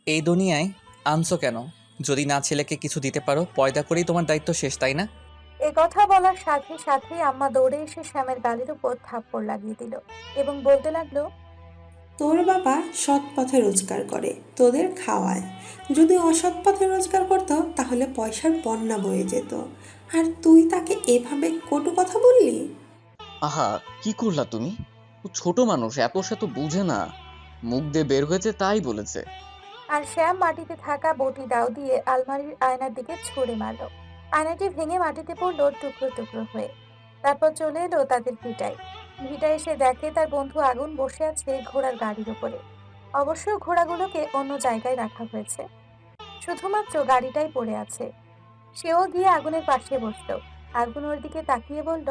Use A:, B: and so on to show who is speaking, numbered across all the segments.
A: এই দুনিয়ায় আনছো কেন? যদি না ছেলেকে কিছু দিতে পারো, পয়দা করেই তোমার দায়িত্ব শেষ, তাই না?
B: এ কথা বলার সাথে সাথেই আম্মা দৌড়ে এসে শ্যামের গালের উপর থাপ্পড় লাগিয়ে দিল এবং বলতে লাগলো,
C: তোর বাবা সৎ পথে রোজগার করে, তোদের খাওয়ায়। যদি অসৎ পথে রোজগার করতো তাহলে পয়সার বন্যা বয়ে যেত। আর তুই তাকে এভাবে কটু কথা বললি?
D: আহা, কি করলা তুমি? ও ছোট মানুষ, এত সে তো বুঝে না। মুখ দিয়ে বের হয়েছে তাই বলেছে।
B: আর শ্যাম মাটিতে থাকা বটি দাও দিয়ে আলমারির আয়নার দিকে ছুঁড়ে মারল। আয়নাটি ভেঙে মাটিতে পড়লো টুকরো টুকরো হয়ে। তারপর চলে এলো তাদের ভিটায়। ভিটায় এসে দেখে তার বন্ধু আগুন বসে আছে ঘোড়ার গাড়ির উপরে। অবশ্য ঘোড়াগুলোকে অন্য জায়গায় রাখা হয়েছে, শুধুমাত্র গাড়িটাই পড়ে আছে। সেও গিয়ে আগুনের পাশে বসলো। আগুন ওর দিকে তাকিয়ে বলল,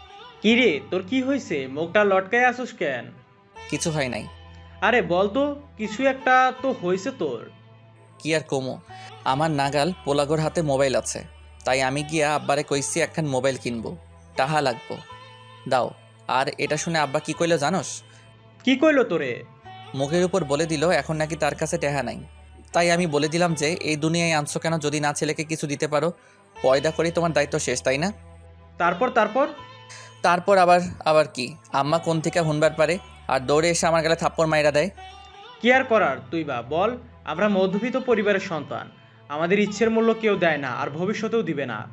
E: কি রে, তোর কি হয়েছে? মুখটা লটকায় আসুস কেন?
A: কিছু হয় নাই।
E: আরে বল তো, কিছু একটা তো হয়েছে তোর।
A: কি আর কমো, আমার নাগাল পোলাগোর হাতে মোবাইল আছে, তাই আমি গিয়া আব্বারে কইছি একখান মোবাইল কিনবো, টাহা লাগবো, দাও। আর এটা শুনে আব্বা কি কইলো জানোস?
E: কি কইলো তোরে?
A: মুখের উপর বলে দিল এখন নাকি তার কাছে টেহা নাই। তাই আমি বলে দিলাম যে এই দুনিয়ায় আনছো কেন? যদি না ছেলেকে কিছু দিতে পারো, পয়দা করেই তোমার দায়িত্ব শেষ, তাই না?
E: তারপর?
A: তারপর আবার আবার কি, আম্মা কোন থেকে হুনবার পারে আর দৌড়ে এসে আমার গালে থাপ্পড় মাইরা দেয়।
E: কি আর করার, তুই বা বল। আমরা মধ্যবিত্ত পরিবারের সন্তান, আমাদের ইচ্ছের মূল্য কেউ দেয় না, আর ভবিষ্যতেও দিবে না।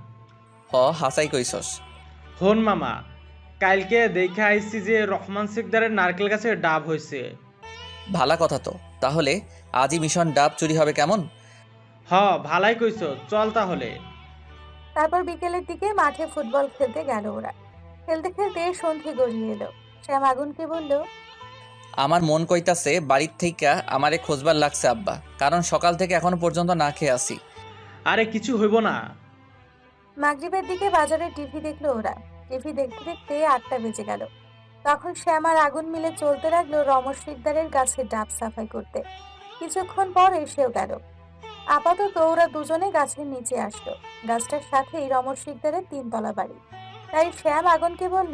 A: হাসাই কইছস।
E: হন মামা, কালকে দেখে আইসি যে রহমান সিকদারের নারকেল গাছে ডাব হয়েছে।
A: ভালা কথা তো, তাহলে আজই মিশন ডাব চুরি হবে কেমন?
E: হ, ভালাই কইছ, চল তাহলে।
B: তারপর বিকেলের দিকে মাঠে ফুটবল খেলতে গেল ওরা। খেলতে খেলতে সন্ধে গড়িয়ে এলো। শ্যাম আগুনকে বলল,
A: আমার মন কইতাছে বাড়ির থেকে আমারে খোঁজবার লাগছে আব্বা, কারণ সকাল থেকে এখনো পর্যন্ত না খেয়ে আসি।
E: আরে কিছু হইব না।
B: মাগরিবের দিকে বাজারে টিভি দেখলো ওরা। টিভি দেখতে দেখতে 8টা বেজে গেল। তখন শ্যাম আর আগুন মিলে চলতে লাগলো রমেশ শিকদারের গাছে ডাব সাফাই করতে। কিছুক্ষণ পর এসেও গেল। আপাতত ওরা দুজনে গাছের নিচে আসলো। গাছটার সাথেই রমেশ শিকদারের 3 তলা বাড়ি। তাই শ্যাম আগুনকে বলল,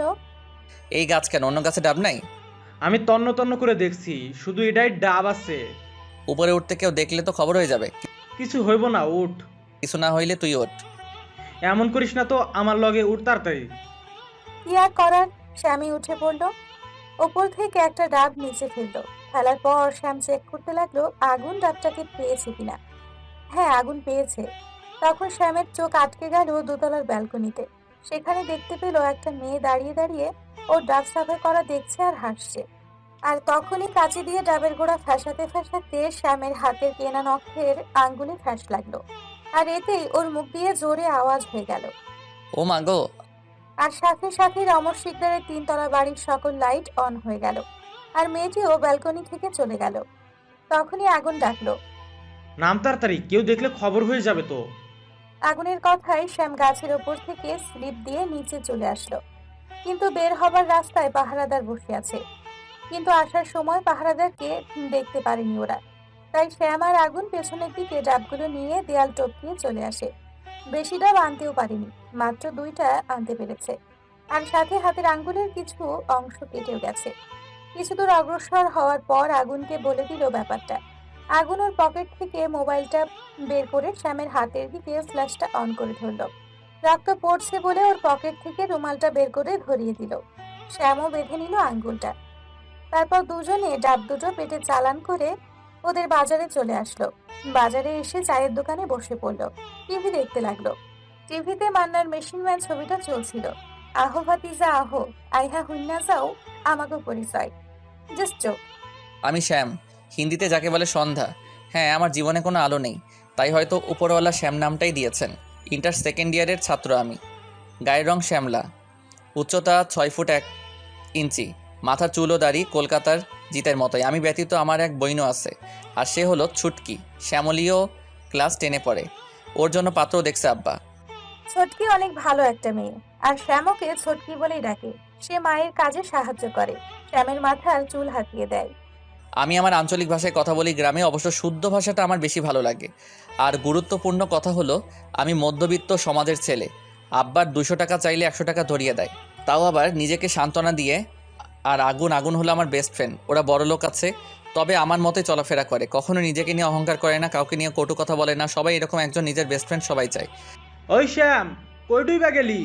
A: এই গাছ কেন, অন্য গাছে ডাব নাই?
E: আমি তন্ন তন্ন করে দেখছি, শুধু এটাই ডাব আছে।
A: উপরে উঠতে কেউ দেখলে তো খবর হয়ে যাবে।
E: কিছু হইব না, উঠ।
A: কিছু না হইলে তুই ওঠ।
E: এমন করিস না তো, আমার লগে উঠ তাড়াতাড়ি।
B: কি আর করার, শ্যামই উঠে পড়লো। ওপর থেকে একটা ডাব নিচে ফেললো। ফেলার পর শ্যাম চেক করতে লাগলো আগুন ডাবটাকে পেয়েছে কিনা। হ্যাঁ, আগুন পেয়েছে। তখন শ্যামের চোখ আটকে গেল 2তলার ব্যালকনিতে। সেখানে দেখতে পেল একটা মেয়ে দাঁড়িয়ে দাঁড়িয়ে ওর ডাব সাফাই করা দেখছে আর হাসছে। আর তখনই কাঁচি দিয়ে ডাবের গোড়া ফ্যাসাতে ফ্যাসাতে শ্যামের হাতের কেনা নখের আঙ্গুলে ফ্যাস লাগলো। আর এতেই ওর মুখ দিয়ে জোরে আওয়াজ হয়ে গেল।
A: ও মা গো!
B: আর সাথে সাথে রমর শিকদারের 3তলা বাড়ির সকল লাইট অন হয়ে গেল। আর মেয়েটিও ব্যালকনি থেকে চলে গেল। তখনই আগুন ডাকলো।
E: নাম তাড়াতাড়ি, কেউ দেখলে খবর হয়ে যাবে তো।
B: আগুনের কথায় শ্যাম গাছের ওপর থেকে স্লিপ দিয়ে নিচে চলে আসলো। কিন্তু বের হবার রাস্তায় পাহারাদার বসে আছে। কিন্তু আসার সময় পাহারাদারকে দেখতে পারেনি ওরা। তাই শ্যাম আর আগুন পেছনের দিকে ডাবগুলো নিয়ে দেয়াল টপকিয়ে চলে আসে। বেশি ডাব আনতেও পারেনি, মাত্র 2টা আনতে পেরেছে। আর সাথে হাতের আঙ্গুলের কিছু অংশ কেটেও গেছে। কিছু দূর অগ্রসর হওয়ার পর আগুনকে বলে দিল ব্যাপারটা। আগুন ওর পকেট থেকে মোবাইলটা বের করে শ্যামের হাতের দিকে ফ্ল্যাশটা অন করে ধরলো। রক্ত পড়ছে বলে ওর পকেট থেকে রুমালটা বের করে ধরিয়ে দিল। শ্যামও বেঁধে নিল আঙ্গুলটা। তারপর দুজনে ডাব দুটো পেটে চালান করে ওদের বাজারে চলে আসলো। বাজারে এসে চায়ের দোকানে বসে পড়লো। টিভি দেখতে লাগলো। টিভিতে মান্নার মেশিন ম্যান ছবিটা চলছিল। আহো ভাতিজা আহো, আইহা হুন্না যাও, আমাকে পরিচয়। Just joke.
A: আমি শ্যাম, হিন্দিতে যাকে বলে সন্ধ্যা। হ্যাঁ, আমার জীবনে কোনো আলো নেই, তাই হয়তো উপরওয়ালা শ্যাম নামটাই দিয়েছেন। ইন্টার সেকেন্ড ইয়ারের ছাত্র আমি। গায়ের রং শ্যামলা, উচ্চতা 6 ফুট 1 ইঞ্চি, মাথার চুল ও দাড়ি কলকাতার জিতের মতোই। আমি ব্যতীত আমার এক বইনও আছে, আর সে হলো ছুটকি। শ্যামলীও ক্লাস 10-এ পড়ে। ওর জন্য পাত্র দেখছে আব্বা।
B: ছোটকি অনেক ভালো একটা মেয়ে। আর শ্যামকে ছোটকি বলেই ডাকে। সে মায়ের কাজে সাহায্য করে। শ্যামের মাথার চুল হাতিয়ে দেয়।
A: আমি আমার আঞ্চলিক ভাষায় কথা বলি গ্রামে, অবশ্য শুদ্ধ ভাষাটা আমার বেশি ভালো লাগে। আর গুরুত্বপূর্ণ কথা হলো, আমি মধ্যবিত্ত সমাজের ছেলে। আব্বার 200 টাকা চাইলে 100 টাকা ধরিয়ে দেয়, তাও আবার নিজেকে সান্ত্বনা দিয়ে। আর আগুন আগুন হলো আমার বেস্ট ফ্রেন্ড। ওরা বড়লোক আছে, তবে আমার মতে চলাফেরা করে, কখনো নিজেকে নিয়ে অহংকার করে না, কাউকে নিয়ে কটু কথা বলে না। সবাই এরকম একজন নিজের বেস্ট ফ্রেন্ড সবাই চায়।
E: ওই শ্যাম, কই বা গেলি?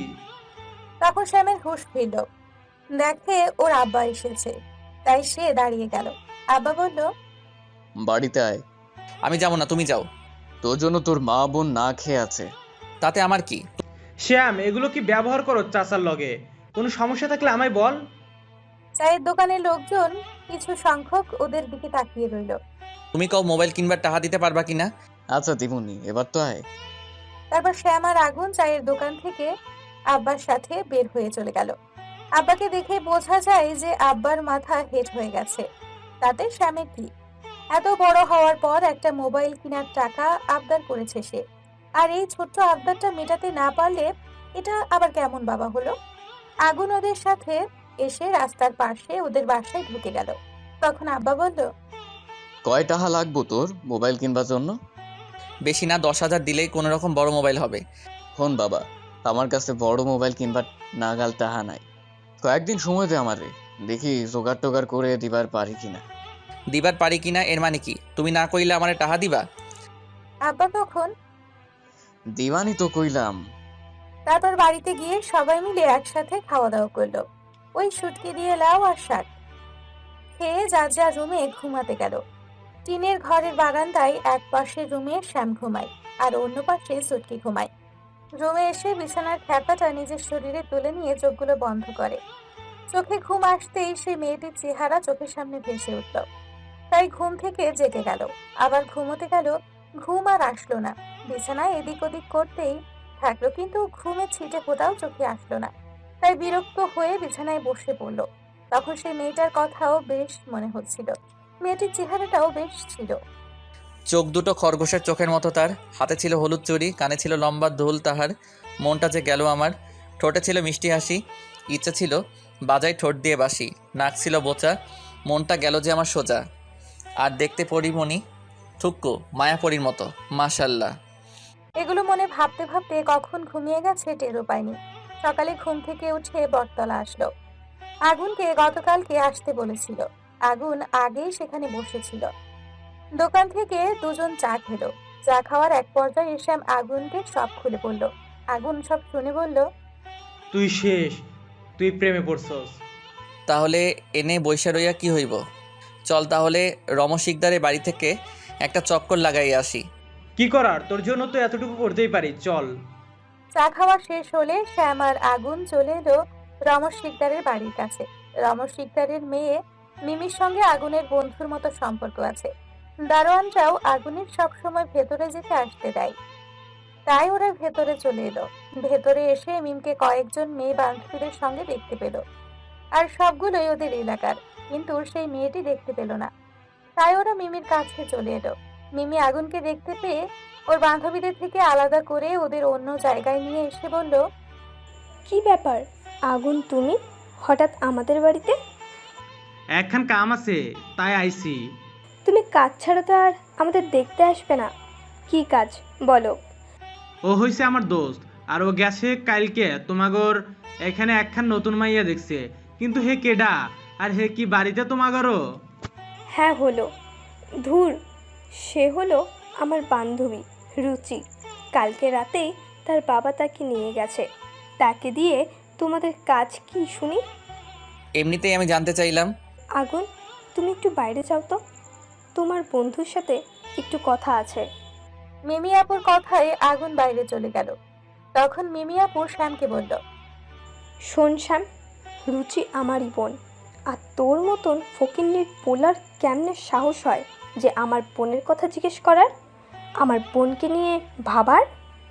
B: তখন শ্যামের হুঁশ ফিরল, দেখে ওর আব্বা এসেছে, তাই সে দাঁড়িয়ে গেল। আব্বা বলল,
D: বাড়িতে আয়।
A: আমি যাবো না, তুমি যাও।
D: তোর জন্য তোর মা বোন না খেয়ে আছে।
A: তাতে আমার কি?
E: শ্যাম, এগুলো কি ব্যবহার করো চাচার লগে? কোনো সমস্যা থাকলে আমায় বল।
B: চায়ের দোকানের লোকজন কিছু সংখ্যক ওদের দিকে তাকিয়ে রইল।
A: তুমি কাউ মোবাইল কিনবার টাকা দিতে পারবা কিনা?
D: আচ্ছা দিমুনি, এবার তো আয়।
B: তারপর শ্যাম আর আগুন চায়ের দোকান থেকে আব্বার সাথে বের হয়ে চলে গেল। আব্বাকে দেখে বোঝা যায় যে আব্বার মাথা হেট হয়ে গেছে। তাতে শ্যামের কি? এত বড় হওয়ার পর একটা মোবাইল কেনার টাকা আবদার করেছে সে, আর এই ছোট্ট আবদারটা মেটাতে না পারলে এটা আবার কেমন বাবা হলো? আগুন ওদের সাথে এসে রাস্তার পাশে ওদের বাসায় ঢুকে গেল। তখন আব্বা বলল,
D: কয় টাকা লাগবো তোর মোবাইল কিনবার জন্য?
A: বেশি না, 10,000 দিলেই কোনো রকম বড় মোবাইল হবে।
D: হন বাবা, আমার কাছে বড় মোবাইল কিনবার নাগাল টাকা নাই। কয়েকদিন সময় দে আমারে, দেখি জোগাড় টোগাড় করে দিবার পারি কিনা।
A: দিবার পারি কিনা এর মানে কি? তুমি না কইলে আমারে টাকা দিবা?
B: আব্বা তখন
D: দিবানি তো কইলাম।
B: তারপর বাড়িতে গিয়ে সবাই মিলে একসাথে খাওয়া দাওয়া করলো। ওই শুটকি দিয়ে লাউ আর শাক খেয়ে যার যার রুমে ঘুমাতে গেল। টিনের ঘরের বারান্দায় এক পাশের রুমে শ্যাম ঘুমায় আর অন্য পাশে সুটকি ঘুমায়। রুমে এসে বিছানার খ্যাপাটা নিজের শরীরে তুলে নিয়ে চোখগুলো বন্ধ করে। চোখে ঘুম আসতেই সেই মেয়েটির চেহারা চোখের সামনে ভেসে উঠল। তাই ঘুম থেকে জেগে গেল, আবার ঘুমোতে গেল। ঘুম আর আসলো না। বিছানায় এদিক ওদিক করতেই থাকলো, কিন্তু ঘুমে ছিটে ফোটাও চোখে আসলো না। তাই বিরক্ত হয়ে বিছানায় বসে পড়লো। তখন সেই মেয়েটার কথাও বেশ মনে হচ্ছিল, মেয়েটির চেহারাটাও বেশ ছিল।
A: চোখ দুটো খরগোশের চোখের মতো তার, হাতে ছিল হলুদ চুড়ি, কানে ছিল লম্বা দুল তাহার। মনটা যে গেল আমার। ঠোঁটে ছিল মিষ্টি হাসি, ইচ্ছে ছিল বাজাই ঠোঁট দিয়ে বাসি। নাক ছিল বোচা, মনটা গেল যে আমার সোজা। আর দেখতে পরিমণি থুক্কু মায়াপরীর মতো, মাশাল্লাহ।
B: এগুলো মনে ভাবতে ভাবতে কখন ঘুমিয়ে গেছে টেরও পায়নি। সকালে ঘুম থেকে উঠে বটতলা আসলো। আগুনকে গতকালকে আসতে বলেছিল। আগুন আগেই সেখানে বসেছিল। দোকান থেকে দুজন চা খেলো। চা খাওয়ার এক পর্যায়ে শ্যাম আগুনকে সব খুলে বলল। আগুন সব শুনে বলল,
E: তুই শেষ, তুই প্রেমে পড়ছস।
A: তাহলে এনে বৈশা রইয়া কি হইব? চল তাহলে রমশিকদারের বাড়ি থেকে একটা চক্কর লাগাই আসি।
E: কি করার, তোর জন্য তো এতটুকু করতেই পারি, চল।
B: চা খাওয়া শেষ হলে শ্যাম আর আগুন চলে এলো রমেশ শিকদারের বাড়ির কাছে। রমেশ শিকদারের মেয়ে মিমির সঙ্গে আগুনের বন্ধুর মতো সম্পর্ক আছে। দারোয়ানরাও আগুনের সবসময় ভেতরে যেতে আসতে দেয়, তাই ওরা ভেতরে চলে এলো। ভেতরে এসে মিমকে কয়েকজন মেয়ে বান্ধবীদের সঙ্গে দেখতে পেল, আর সবগুলোই ওদের এলাকার, কিন্তু সেই মেয়েটি দেখতে পেল না। তাই ওরা মিমির কাছে চলে এলো। মিমি আগুনকে দেখতে পেয়ে ওর বান্ধবীদের থেকে আলাদা করে ওদের অন্য জায়গায় নিয়ে এসে বলল,
F: কি ব্যাপার আগুন, তুমি হঠাৎ আমাদের বাড়িতে?
E: একখান কাম আছে, তাই আইছি।
F: তুমি কাজ ছাড়া তো আর আমাদের দেখতে আসবে না। কি কাজ বলো?
E: ও হইছে আমার দোস্ত, আর ও গেছে কালকে তোমাগর এখানে একখান নতুন মাইয়া দেখছে। কিন্তু হে কেডা, আর হে কি বাড়িতে তোমাগরও?
F: হ্যাঁ হলো, ধুর, সে হলো আমার বান্ধবী রুচি। কালকে রাতেই তার বাবা তাকে নিয়ে গেছে। তাকে দিয়ে তোমাদের কাজ কি শুনি?
A: এমনিতেই আমি জানতে চাইলাম।
F: আগুন, তুমি একটু বাইরে যাও তো, তোমার বন্ধুর সাথে একটু কথা আছে।
B: মিমি আপুর কথায় আগুন বাইরে চলে গেল। তখন মিমি আপু শ্যামকে বলল,
F: শোন শ্যাম, রুচি আমারই বোন, আর তোর মতন ফকিন্নির পোলার কেমনে সাহস হয় যে আমার বোনের কথা জিজ্ঞেস করার, আমার বোনকে নিয়ে ভাবার?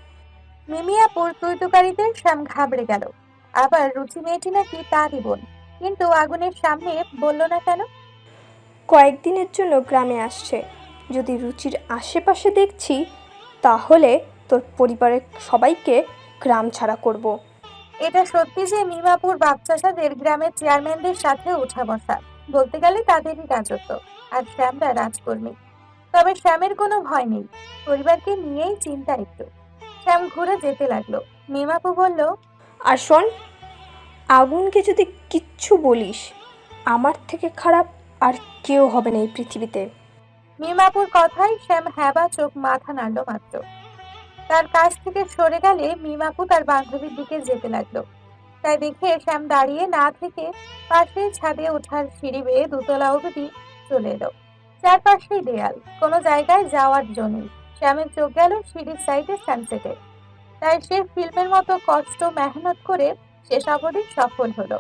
B: মিমি আপুর তুইতুকারিতে শ্যাম ঘাবড়ে গেল। আবার রুচি মেয়েটি নাকি তারই বোন, কিন্তু আগুনের সামনে বলল না কেন?
F: কয়েকদিনের জন্য গ্রামে আসছে। যদি রুচির আশেপাশে দেখছি, তাহলে তোর পরিবারের সবাইকে গ্রাম ছাড়া করব।
B: এটা সত্যি যে মিমাপুর বাপচাষাদের গ্রামের চেয়ারম্যানদের সাথে উঠা বসা, বলতে গেলে তাদেরই রাজত্ব, আর শ্যামরা রাজকর্মী। তবে শ্যামের কোনো ভয় নেই, পরিবারকে নিয়েই চিন্তা একটু। শ্যাম ঘুরে যেতে লাগলো। মিমাপু বলল,
F: আর শোন, আগুনকে যদি কিচ্ছু বলিস, আমার থেকে খারাপ আর কেউ হবে না এই পৃথিবীতে।
B: মিমাপুর কথায় শ্যাম হ্যাবা চোখ মাথা নাড়ল মাত্র। তার কাছ থেকে সরে গেলে মিমাপু তার বান্ধবীর দিকে যেতে লাগলো। তাই দেখে শ্যাম দাঁড়িয়ে না থেকে পাশে ছাদে ওঠার সিঁড়ি বেয়ে দোতলা অবধি চলে এলো। চারপাশেই দেয়াল, কোনো জায়গায় যাওয়ার জন্য। শ্যামের চোখ গেল সিঁড়ির সাইডে সানসেটে। তাই সে ফিল্মের মতো কষ্ট মেহনত করে শেষ অবধি সফল হলো।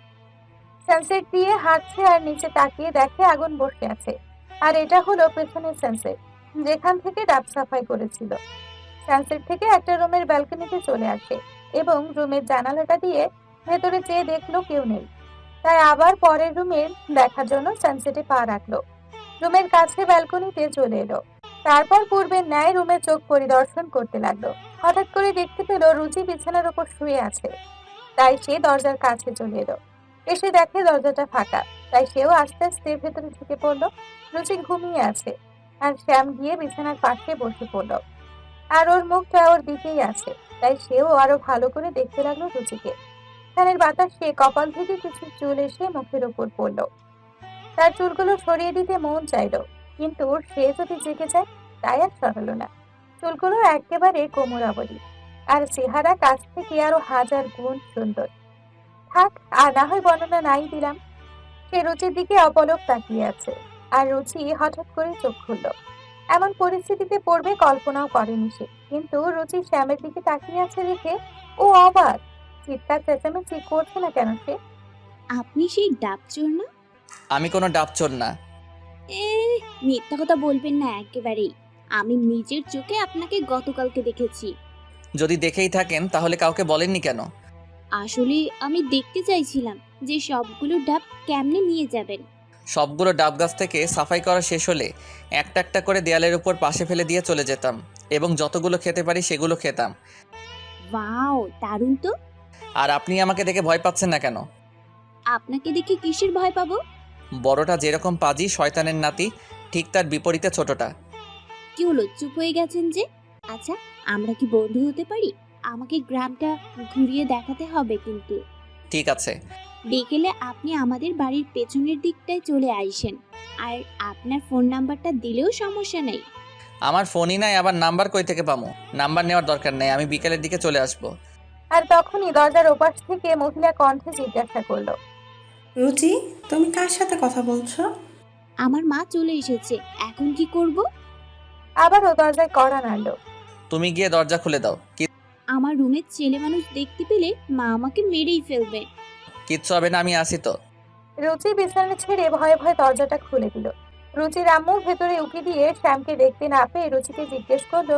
B: সানসেট দিয়ে হাঁটছে আর নিচে তাকিয়ে দেখে আগুন বসে আছে। আর এটা হলো পেছনের সানসেট, যেখান থেকে ডাব সাফাই করেছিল। সানসেট থেকে একটা রুমের ব্যালকনিতে চলে আসে এবং রুমের জানালাটা দিয়ে ভেতরে চেয়ে দেখলো কেউ নেই। তাই আবার পরের রুমে দেখার জন্য সানসেটে পা রাখলো। রুমের কাছে ব্যালকনিতে চলে এলো। তারপর পূর্বের ন্যায় রুমে চোখ পরিদর্শন করতে লাগলো। হঠাৎ করে দেখতে পেল রুচি বিছানার উপর শুয়ে আছে। তাই সে দরজার কাছে চলে এলো। এসে দেখে দরজাটা ফাঁকা। তাই সেও আস্তে আস্তে ভেতরে ঢুকে পড়লো। রুচি ঘুমিয়ে আছে আর শ্যাম গিয়ে বিছানার পাশে বসে পড়লো। আর ওর মুখটা ওর দিকেই আছে। তাই সেও আরো ভালো করে দেখতে লাগলো রুচিকে। ফ্যানের বাতাসে কপাল থেকে কিছু চুল এসে মুখের উপর পড়লো। তার চুলগুলো সরিয়ে দিতে মন চাইলো, কিন্তু সে যদি জেগে যায় তাই আর সরালো না। চুলগুলো একেবারে কোমর অবধি, আর চেহারা কাছ থেকে আরো 1000 গুণ সুন্দর। থাক, আর না হয় বর্ণনা নাই দিলাম। সে রুচির দিকে অপলক তাকিয়ে আছে, আর রুচি হঠাৎ করে চোখ খুললো। এমন পরিস্থিতিতে পড়বে কল্পনাও করেনি সে। কিন্তু রুচি শ্যামের দিকে তাকিয়ে আছে দেখে ও অবাক। চিৎকার চেঁচামেচি করছে না কেন সে?
G: আপনি সেই ডাবচোর না?
A: আমি কোনো ডাবচোর না।
G: এ মিথ্যা কথা বলবেন না একেবারেই। আমি নিজের চোখে আপনাকে গতকালকে দেখেছি।
A: যদি দেখেই থাকেন তাহলে কাউকে বলেননি কেন?
G: আসলে আমি দেখতে চাইছিলাম যে সবগুলো ডাব কেমনে নিয়ে যাবেন।
A: সবগুলো ডাব গাছ থেকে সাফাই করা শেষ হলে একটা একটা করে দেয়ালের উপর পাশে ফেলে দিয়ে চলে যেতাম এবং যতগুলো খেতে পারি সেগুলো খেতাম।
G: ওয়াও, দারুণ তো।
A: আর আপনি আমাকে দেখে ভয় পাচ্ছেন না কেন?
G: আপনাকে দেখে কিসের ভয় পাবো?
A: বড়টা যেরকম পাজি শয়তানের নাতি, ঠিক তার বিপরীতে ছোটটা।
G: কি হলো, চুপ হয়ে গেছেন যে? আচ্ছা, আমরা কি বন্ধু হতে পারি? আমাকে গ্রামটা ঘুরিয়ে দেখাতে হবে কিন্তু।
A: ঠিক আছে।
G: বিকেলে আপনি আমাদের বাড়ির পেছনের দিকটায় চলে আইসেন। আর আপনার ফোন নাম্বারটা দিলেও সমস্যা নেই।
A: আমার ফোনই নাই, আবার নাম্বার কই থেকে পামু? নাম্বার নেওয়ার দরকার নেই, আমি বিকেলের দিকে চলে আসবো।
B: আর তখনই দরজার ওপাশ থেকে মহিলা কণ্ঠে জিজ্ঞাসা করলো,
C: রুচি, তুমি কার সাথে কথা বলছো?
G: আমার মা চলে এসেছে, এখন কি করব?
B: আবারও দরজায় কড়া নাড়লো।
A: তুমি গিয়ে দরজা খুলে দাও।
G: আমার রুমের ছেলে মানুষ দেখতে পেলে মা আমাকে মেরেই ফেলবে।
A: কিচ্ছু হবে না, আমি আসি তো।
B: রুচি বিছানা ছেড়ে ভয়ে ভয়ে দরজাটা খুলে দিল। রুচির আম্মু ভেতরে উকি দিয়ে শ্যামকে দেখতে না পেয়ে রুচিকে জিজ্ঞেস করলো,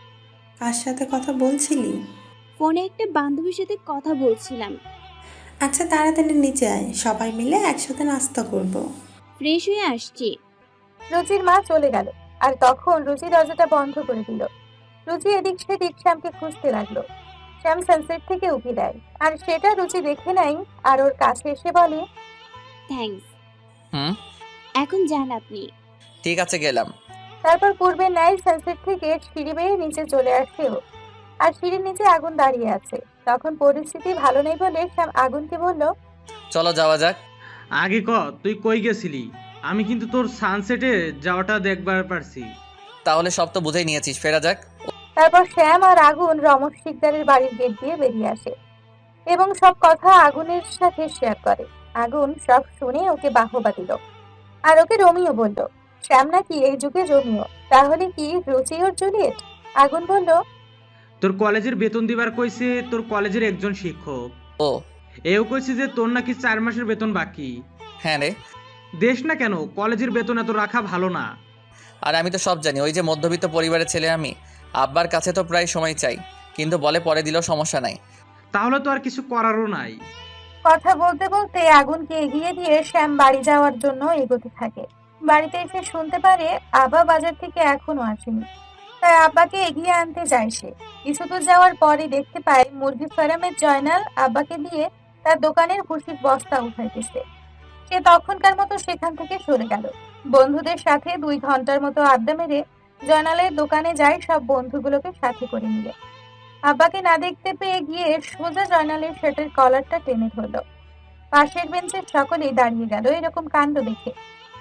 C: কার সাথে কথা বলছিলি?
G: ফোনে একটা বান্ধবীর সাথে কথা বলছিলাম।
C: আচ্ছা, তাড়াতাড়ি নিচে আয়, সবাই মিলে একসাথে নাস্তা করব।
G: ফ্রেশ হয়ে আসছি।
B: রুচির মা চলে গেল। আর তখন রুচি দরজাটা বন্ধ করে দিল। রুচি এদিক সেদিক শ্যামকে খুঁজতে লাগলো। শ্যাম সানসেট থেকে উকি দেয়, আর সেটা রুচি দেখে নাই। আর ওর কাছে এসে বলে,
G: থ্যাঙ্কস।
A: হুম,
G: এখন যান আপনি।
A: ঠিক আছে, গেলাম।
B: তারপর পূর্বের ন্যায় সানসেট থেকে সিঁড়ি বেয়ে নিচে চলে আসে ও। আর সিঁড়ির নিচে আগুন দাঁড়িয়ে আছে। তখন পরিস্থিতি ভালো নেই বলে শ্যাম আগুনকে বলল,
A: চলো যাওয়া যাক।
E: আগে তুই কই গেছিলি? আমি কিন্তু তোর সানসেটে যাওয়াটা দেখবার পারছি।
A: তাহলে সব তো বুঝেই নিয়েছিস, ফেরা যাক।
B: তারপর শ্যাম আর আগুন রমেশ শিকদারের বাড়ির গেট দিয়ে বেরিয়ে আসে এবং সব কথা আগুনের সাথে শেয়ার করে। আগুন সব শুনে ওকে বাহবা দিল, আর ওকে রোমিও বলল। শ্যাম নাকি এই যুগে রোমিও, তাহলে কি রুচি ওর জুলিয়েট? আগুন বলল,
E: তোর কলেজের বেতন দিবার কইছে তোর কলেজের একজন শিক্ষক।
A: ও
E: এও কইছে যে তোর নাকি 4 মাসের বেতন বাকি।
A: হ্যাঁ রে,
E: দেশ না কেন, কলেজের বেতন এত রাখা ভালো না।
A: আর আমি তো সব জানি। ওই যে মধ্যবিত্ত পরিবারের ছেলে আমি, আব্বার কাছে তো প্রায় সময় চাই, কিন্তু বলে পরে দিলেও সমস্যা নাই।
E: তাহলে তো আর কিছু করারও নাই।
B: কথা বলতে বলতে আগুনকে এগিয়ে দিয়ে শ্যাম বাড়ি যাওয়ার জন্য এগোতে থাকে। বাড়িতে এসে শুনতে পারে আব্বা বাজার থেকে এখনো আসেনি। তাই আব্বাকে এগিয়ে আনতে যায় সে। কিছু দূর যাওয়ার পরে দেখতে পায় মুরগি ফার্মের জয়নাল আব্বাকে দিয়ে তার দোকানের ভুসির বস্তা উঠাইতেছে। সে তখনকার মতো সেখান থেকে সরে গেল। বন্ধুদের সাথে 2 ঘন্টার মতো আড্ডা মেরে জয়নালের দোকানে যায় সব বন্ধুগুলোকে সাথে করে নিয়ে। আব্বাকে না দেখতে পেয়ে গিয়ে সোজা জয়নালের শার্টের কলারটা টেনে ধরলো। পাশের বেঞ্চের সকলেই দাঁড়িয়ে গেল এরকম কাণ্ড দেখে।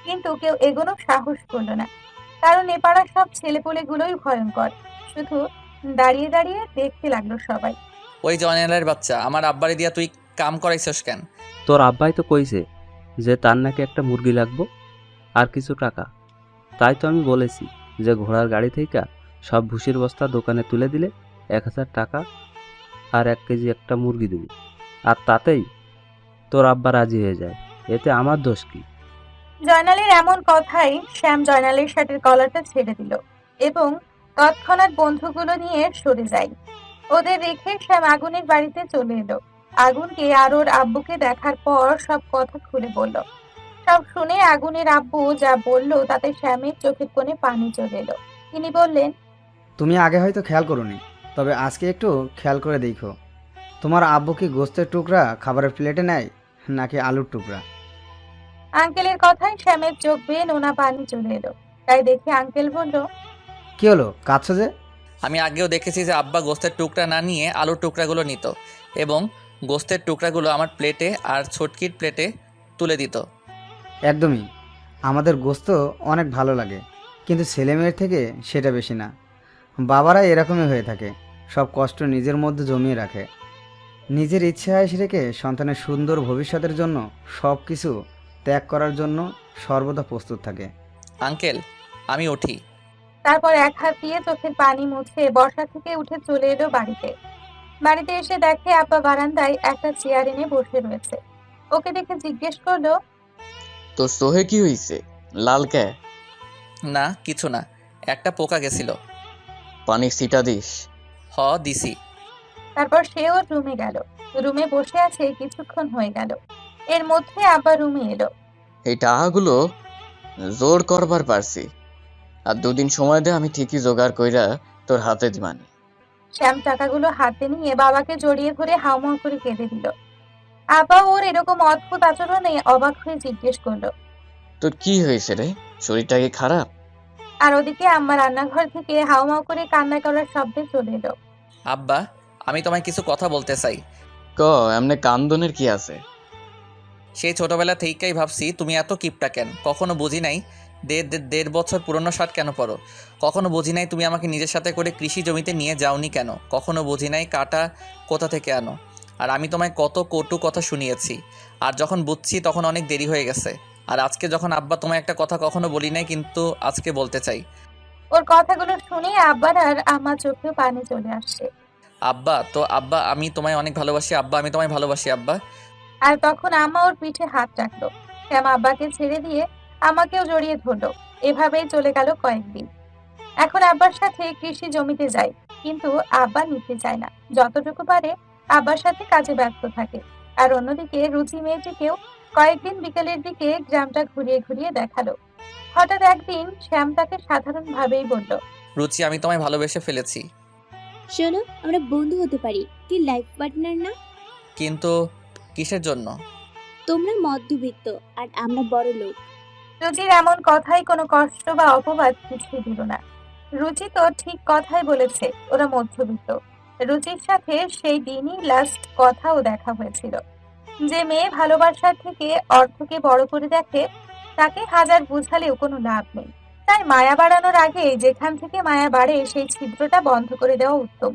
B: কিন্তু কেউ এগোনোর সাহস করলো না, কারণ এ পাড়ার সব ছেলেপুলেগুলোই ভয়ঙ্কর। শুধু দাঁড়িয়ে দাঁড়িয়ে দেখতে লাগলো সবাই।
A: ওই জয়নালের বাচ্চা, আমার আব্বারে দিয়া তুই কাম করাইছস কেন?
H: তোর আব্বাই তো কইছে যে তার নাকি একটা মুরগি লাগবো আর কিছু টাকা। তাই তো আমি বলেছি যে ঘোড়ার গাড়ি থেকে সব ভুসির বস্তা দোকানে তুলে দিলে 1000 টাকা আর 1 কেজি একটা মুরগি দেবো। আর তাতেই তোর আব্বা রাজি হয়ে যায়, এতে আমার দোষ কি?
B: জয়নালের এমন কথাই শ্যাম জয়নালের শার্টের কলারটা ছেড়ে দিল এবং তৎক্ষণাৎ বন্ধুগুলো নিয়ে সরে যায়। ওদের রেখে শ্যাম আগুনের বাড়িতে চলে এলো। আগুনকে আর ওর আব্বুকে দেখার পর সব কথা খুলে বলল। সব শুনে আগুনের আব্বু যা বলল তাতে শ্যামের চোখের কোণে পানি চলে এলো। তিনি বললেন,
I: তুমি আগে হয়তো খেয়াল করোনি, তবে আজকে একটু খেয়াল করে দেখো, তোমার আব্বু কি গোস্তের টুকরা খাবারের প্লেটে নেয় নাকি আলুর টুকরা?
B: আঙ্কেলের কথায় শ্যামের চোখ বেয়ে নোনা পানি চলে এলো। তাই দেখে আঙ্কেল বলল,
I: কি হলো, কাঁদছো যে?
A: আমি আগেও দেখেছি যে আব্বা গোস্তের টুকরা না নিয়ে আলুর টুকরাগুলো নিত এবং গোস্তের টুকরাগুলো আমার প্লেটে আর ছটকির প্লেটে তুলে দিত।
I: একদমই, আমাদের গোস্ত অনেক ভালো লাগে, কিন্তু ছেলে মেয়ের থেকে সেটা বেশি না। বাবারা এরকমই হয়ে থাকে, সব কষ্ট নিজের মধ্যে জমিয়ে রাখে, নিজের ইচ্ছে আয়েস রেখে সন্তানের সুন্দর ভবিষ্যতের জন্য সব কিছু ত্যাগ করার জন্য সর্বদা প্রস্তুত থাকে।
A: আঙ্কেল, আমি উঠি।
B: তারপর এক হাত দিয়ে চোখের পানি মুছে বসা থেকে উঠে চলে এলো বাড়িতে। বাড়িতে এসে দেখে আব্বা বারান্দায় একটা চেয়ার এনে বসে রয়েছে। ওকে দেখে জিজ্ঞেস করলো,
D: তো সোহে কি হইছে? লাল কে?
A: না কিছু না, একটা পোকা গেছিল।
D: পানি ছিটা দিস।
A: হ দিছি।
B: তারপর সে ওর রুমে গেল। রুমে বসে আছে কিছুক্ষণ হয়ে গেল। এর মধ্যে আব্বা রুমে এলো।
D: এই টাকাগুলো জোর করবার পারছি, আর 2 দিন সময় দে, আমি ঠিকই জোগাড় কইরা তোর হাতে দিবানি।
B: শ্যাম টাকাগুলো হাতে নিয়ে বাবাকে জড়িয়ে ধরে হাউমাউ করে কেঁদে দিল। আব্বা ওর এরকম অদ্ভুত আচরণে অবাক হয়ে জিজ্ঞেস করলো।
D: তোর কি হয়েছে রে? শরীরটা কি খারাপ?
B: আর ওদিকে আম্মা রান্নাঘর থেকে হাউমাউ করে কান্না করার শব্দে চলে এলো।
A: আব্বা, আমি তোমায় কিছু কথা বলতে চাই।
D: ক, এমনে কান্দনের কি আছে?
A: সেই ছোটবেলা থেকেই ভাবছি তুমি এত কিপটা কেন। কখনো বুঝি নাই 1.5 বছর পুরনো শার্ট কেন পরো। কখনো বুঝি নাই তুমি আমাকে নিজের সাথে করে কৃষি জমিতে নিয়ে যাওনি কেন। কখনো বুঝি নাই কাটা কোথা থেকে আনো। আর আমি তোমায় কত কটু কথা শুনিয়েছি, আর যখন বুঝছি তখন অনেক দেরি হয়ে গেছে। আর আজকে যখন আব্বা তোমায় একটা কথা কখনো বলি নাই, কিন্তু আজকে বলতে চাই।
B: ওর কথাগুলো শুনে আব্বার আর আম্মা চোখে পানি চলে আসছে।
A: আব্বা আমি তোমায় অনেক ভালোবাসি আব্বা, আমি তোমায় ভালোবাসি আব্বা।
B: আর তখন আম্মা ওর পিঠে হাত রাখলো। শ্যাম আব্বাকে ছেড়ে দিয়ে আমাকেও জড়িয়ে ধরলো। এভাবেই চলে গেল কয়েকদিন। এখন আব্বার সাথে কৃষি জমিতে যাই, কিন্তু আব্বা নিতে চায় না। যতটুকু পারে আব্বার সাথে কাজে ব্যস্ত থাকে। আর অন্যদিকে রুচি মেয়েটিকেও কয়েকদিন বিকেলের দিকে গ্রামটা ঘুরিয়ে ঘুরিয়ে দেখালো। হঠাৎ একদিন শ্যাম তাকে সাধারণভাবেই বলল,
A: রুচি, আমি তোমায় ভালোবেসে ফেলেছি।
G: শোনো, আমরা বন্ধু হতে পারি, কি লাইফ পার্টনার না?
A: কিন্তু কিসের জন্য?
G: তোমরা মধ্যবিত্ত আর আমরা বড় লোক।
B: রুচির এমন কথাই কোনো কষ্ট বা অপবাদ কিছুই দিল না। রুচি তো ঠিক কথাই বলেছে, ওরা মধ্যবিত্ত। রুচির সাথে সেই দিনই লাস্ট কথাও দেখা হয়েছিল। যে মেয়ে ভালোবাসার থেকে অর্থকে বড় করে দেখে, তাকে হাজার বুঝালেও কোনো লাভ নেই। তাই মায়া বাড়ানোর আগে যেখান থেকে মায়া বাড়ে সেই ছিদ্রটা বন্ধ করে দেওয়া উত্তম।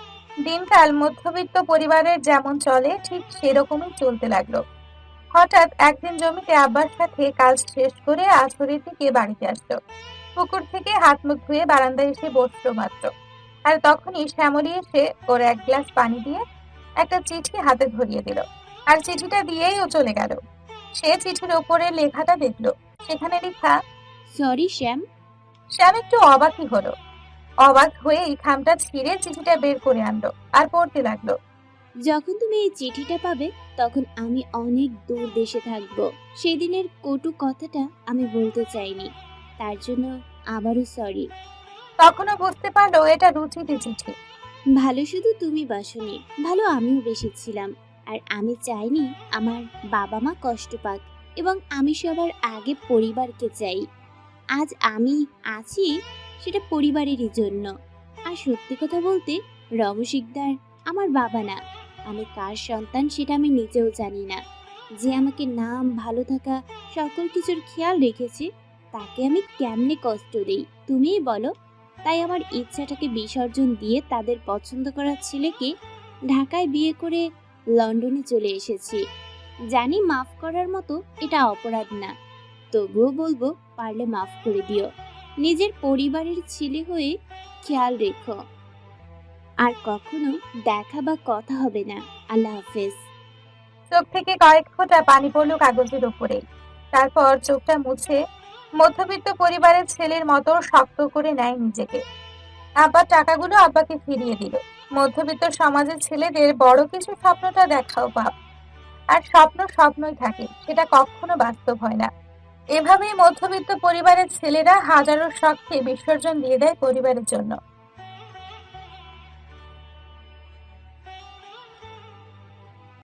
B: দিনকাল মধ্যবিত্ত পরিবারের যেমন চলে ঠিক সেরকমই চলতে লাগলো। হঠাৎ একদিন জমিতে আব্বার সাথে কাজ শেষ করে আসরের দিকে বাড়িতে আসলো। পুকুর থেকে হাত মুখ ধুয়ে বারান্দায় এসে বসলো মাত্র। আর তখনই শ্যামলী এসে ওর 1 গ্লাস পানি দিয়ে একটা চিঠি হাতে ধরিয়ে দিল। আর চিঠিটা দিয়েই ও চলে গেল। সে চিঠির ওপরে লেখাটা দেখলো। সেখানে লেখা,
G: সরি শ্যাম।
B: শ্যাম একটু অবাকই হলো। অবাক হয়েই খামটা ছিঁড়ে চিঠিটা বের করে আনলো আর পড়তে লাগলো।
G: যখন তুমি এই চিঠিটা পাবে তখন আমি অনেক দূর দেশে থাকব। সেদিনের কটু কথাটা আমি বলতে চাইনি, তার জন্য আবারও সরি।
B: তখনও বুঝতে পারলো এটা রুচিরই চিঠি।
G: ভালো শুধু তুমি বাসনি, ভালো আমিও বেসেছিলাম। আর আমি চাইনি আমার বাবা মা কষ্ট পাক, এবং আমি সবার আগে পরিবারকে চাই। আজ আমি আছি সেটা পরিবারেরই জন্য। আর সত্যি কথা বলতে, রম শিকদার আমার বাবা না। আমি কার সন্তান সেটা আমি নিজেও জানি না। যে আমাকে নাম, ভালো থাকা, সকল কিছুর খেয়াল রেখেছে, তাকে আমি কেমনে কষ্ট দেই তুমিই বলো। তাই আমার ইচ্ছাটাকে বিসর্জন দিয়ে তাদের পছন্দ করা ছেলেকে ঢাকায় বিয়ে করে লন্ডনে চলে এসেছি। জানি মাফ করার মতো এটা অপরাধ না, তবুও বলবো পারলে মাফ করে দিও। নিজের পরিবারের ছেলে হয়ে খেয়াল রেখো। আর কখনো দেখা বা কথা হবে না। আল্লাহ হাফেজ।
B: চোখ থেকে কয়েক ফোঁটা পানি পড়ল কাগজের উপরে। তারপর চোখটা মুছে মধ্যবিত্ত পরিবারের ছেলের মতো শক্ত করে নেয় নিজেকে। আব্বার টাকাগুলো আব্বাকে ফিরিয়ে দিল। মধ্যবিত্ত সমাজের ছেলেদের বড় কিছু স্বপ্নটা দেখাও পাপ, আর স্বপ্ন স্বপ্নই থাকে, সেটা কখনো বাস্তব হয় না। এভাবেই মধ্যবিত্ত পরিবারের ছেলেরা হাজারো শখকে বিসর্জন দিয়ে দেয় পরিবারের জন্য।